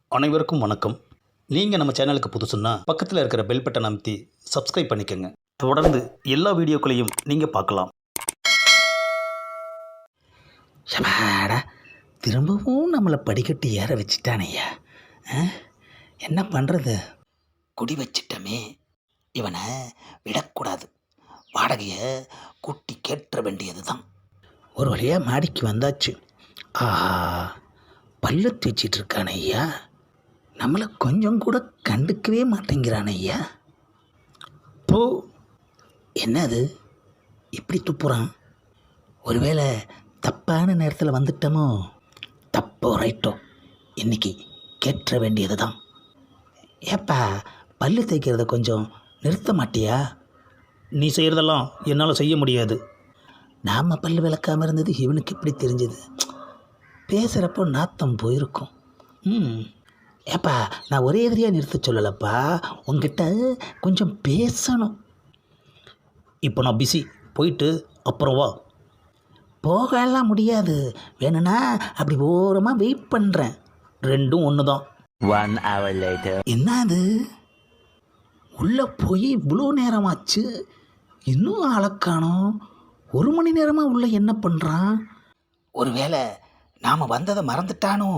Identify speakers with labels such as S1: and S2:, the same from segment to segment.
S1: அனைவருக்கும் வணக்கம். நீங்கள் நம்ம சேனலுக்கு புதுசுன்னா பக்கத்தில் இருக்கிற பெல் பட்டனை அமைத்தி சப்ஸ்கிரைப் பண்ணிக்கோங்க. தொடர்ந்து எல்லா வீடியோக்களையும் நீங்கள் பார்க்கலாம்.
S2: ஷபாடா, திரும்பவும் நம்மளை படிக்கட்டு ஏற வச்சுட்டானையா. என்ன பண்ணுறது? குடி வச்சிட்டமே, இவனை விடக்கூடாது. வாடகையை கூட்டி கேட்ட வேண்டியது தான். ஒரு வழியாக மாடிக்கு வந்தாச்சு. ஆஹா, பல்லு தேய்ச்சிட்டு இருக்கான ஐயா. நம்மளை கொஞ்சம் கூட கண்டுக்கவே மாட்டேங்கிறான ஐயா. போ, என்னது இப்படி துப்புறான்? ஒருவேளை தப்பான நேரத்தில் வந்துட்டோமோ? தப்போ ரைட்டோ, இன்னைக்கு கேட்ட வேண்டியது தான். ஏப்பா, பல்லு தேய்க்கிறத கொஞ்சம் நிறுத்த மாட்டியா?
S1: நீ செய்கிறதெல்லாம் என்னால் செய்ய முடியாது.
S2: நாம் பல்லு விளக்காமல் இருந்தது இவனுக்கு எப்படி தெரிஞ்சது? பேசுகிறப்போ நாத்தம் போயிருக்கும். ஏப்பா, நான் ஒரே எதிரியாக நிறுத்த சொல்லலப்பா, உங்ககிட்ட கொஞ்சம் பேசணும்.
S1: இப்போ நான் பிஸி, போயிட்டு அப்புறம் வா.
S2: போகலாம் முடியாது, வேணும்னா அப்படி ஓரமாக வெயிட் பண்ணுறேன்.
S1: ரெண்டும் ஒன்று தான்.
S3: 1 hour later.
S2: என்ன அது, உள்ளே போய் இவ்வளோ நேரமாச்சு, இன்னும் ஆளக்கானோம். 1 மணி நேரமாக உள்ளே என்ன பண்ணுறான்? ஒருவேளை நாம் வந்ததை மறந்துட்டானோ?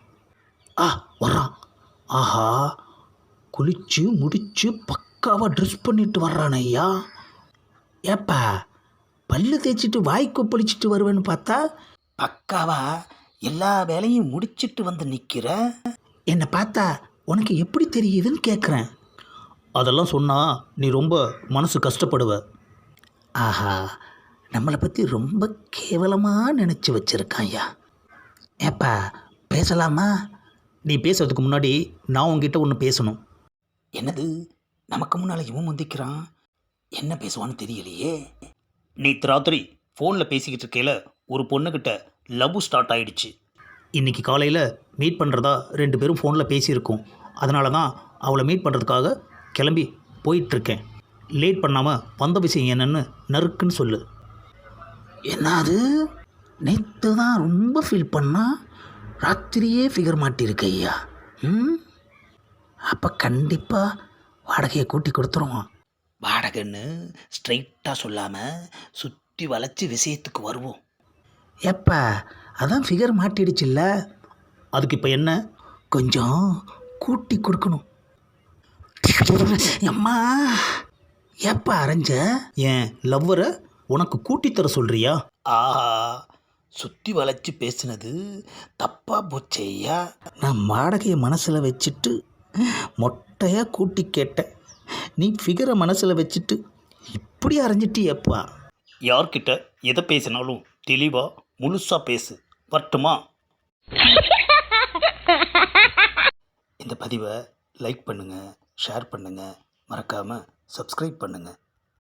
S2: வர்றான். ஆஹா, குளிச்சு முடிச்சு பக்காவாக ட்ரெஸ் பண்ணிட்டு வர்றான் ஐயா. ஏப்பா, பல்லு தேய்ச்சிட்டு வாய் கொப்பளிச்சிட்டு வருவேன்னு பார்த்தா பக்காவா எல்லா வேலையும் முடிச்சிட்டு வந்து நிற்கிற. என்னை பார்த்தா உனக்கு எப்படி தெரியுதுன்னு கேட்குறேன்.
S1: அதெல்லாம் சொன்னால் நீ ரொம்ப மனசு கஷ்டப்படுவ.
S2: ஆஹா, நம்மளை பற்றி ரொம்ப கேவலமாக நினச்சி வச்சுருக்கான் ஐயா. ஏப்பா, பேசலாமா?
S1: நீ பேசுறதுக்கு முன்னாடி நான் உங்ககிட்ட ஒன்று பேசணும்.
S2: என்னது? நமக்கு முன்னால் இவன் முந்திக்கிறான். என்ன பேசுவான்னு தெரியலையே.
S1: நேற்று ராத்திரி ஃபோனில் பேசிக்கிட்டு இருக்கையில் ஒரு பொண்ணுக்கிட்ட லவ் ஸ்டார்ட் ஆகிடுச்சு. இன்றைக்கி காலையில் மீட் பண்ணுறதா 2 பேரும் ஃபோனில் பேசியிருக்கோம். அதனால தான் அவளை மீட் பண்ணுறதுக்காக கிளம்பி போயிட்டுருக்கேன். லேட் பண்ணாமல் வந்த விஷயம் என்னென்னு நறுக்குன்னு சொல்லு.
S2: என்னது? நேற்று தான் ரொம்ப ஃபீல் பண்ணா, ராத்திரியே ஃபிகர் மாட்டியிருக்கு ஐயா. அப்போ கண்டிப்பாக வாடகையை கூட்டி கொடுத்துருவோம். வாடகைன்னு ஸ்ட்ரைட்டாக சொல்லாமல் சுற்றி வளைச்சி விஷயத்துக்கு வருவோம். ஏப்பா, அதான் ஃபிகர் மாட்டிடுச்சுல்ல,
S1: அதுக்கு இப்போ என்ன?
S2: கொஞ்சம் கூட்டி கொடுக்கணும். அம்மா, ஏப்பா அரைஞ்ச?
S1: என் லவ்வரை உனக்கு கூட்டித்தர சொல்கிறியா?
S2: ஆஹா, சுற்றி வளைச்சி பேசினது தப்பாக போச்சே ஐயா. நான் வாடகையை மனசில் வச்சுட்டு மொட்டையாக கூட்டி கேட்டேன். நீ ஃபிகரை மனசில் வச்சுட்டு இப்படி அரைஞ்சிட்டியப்பா.
S1: யார்கிட்ட எதை பேசினாலும் தெளிவாக முழுசாக பேசு. வரட்டுமா?
S2: இந்த பதிவை லைக் பண்ணுங்கள், ஷேர் பண்ணுங்கள், மறக்காமல் சப்ஸ்கிரைப் பண்ணுங்கள்.